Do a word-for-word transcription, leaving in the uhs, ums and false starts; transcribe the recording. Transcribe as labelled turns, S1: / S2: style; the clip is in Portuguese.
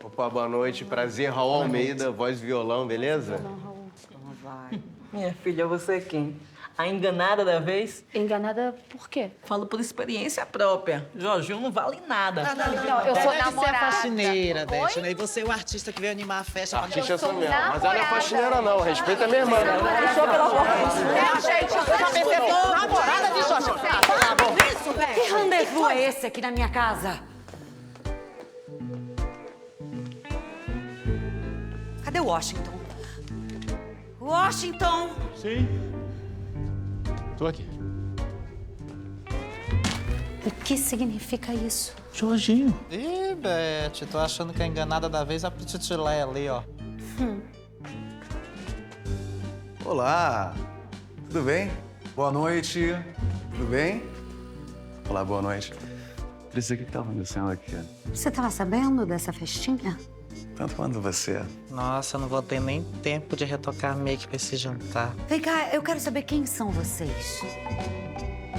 S1: Opa, boa noite. Prazer, Raul Almeida, voz e violão, beleza?
S2: Não, Raul.
S3: Como vai? Minha filha, você é quem? A enganada da vez?
S2: Enganada por quê?
S3: Falo por experiência própria. Jorginho não vale nada.
S2: Não, eu sou
S4: Deve ser a
S2: namorada.
S4: faxineira, Dete, né? E você é o artista que veio animar a festa.
S1: Artista é essa
S2: sou
S1: mesmo. Mas ela não é
S2: namorada.
S1: faxineira, não. Respeita a minha irmã.
S3: Só pela porta.
S4: Gente, eu já percebeu. Namorada de Jorge. Isso, velho.
S5: Que rendezvous é esse aqui na minha casa? Cadê o Washington? Washington!
S6: Sim. Tô aqui.
S2: O que significa isso?
S6: Jorginho.
S4: Ih, Beth, tô achando que a enganada da vez é a Pititileia ali, ó.
S7: Olá, tudo bem? Boa noite, tudo bem? Olá, boa noite. Patrícia, o que tá acontecendo aqui?
S5: Você tava sabendo dessa festinha?
S7: Tanto quanto você.
S4: Nossa, eu não vou ter nem tempo de retocar make pra esse jantar.
S5: Vem cá, eu quero saber quem são vocês.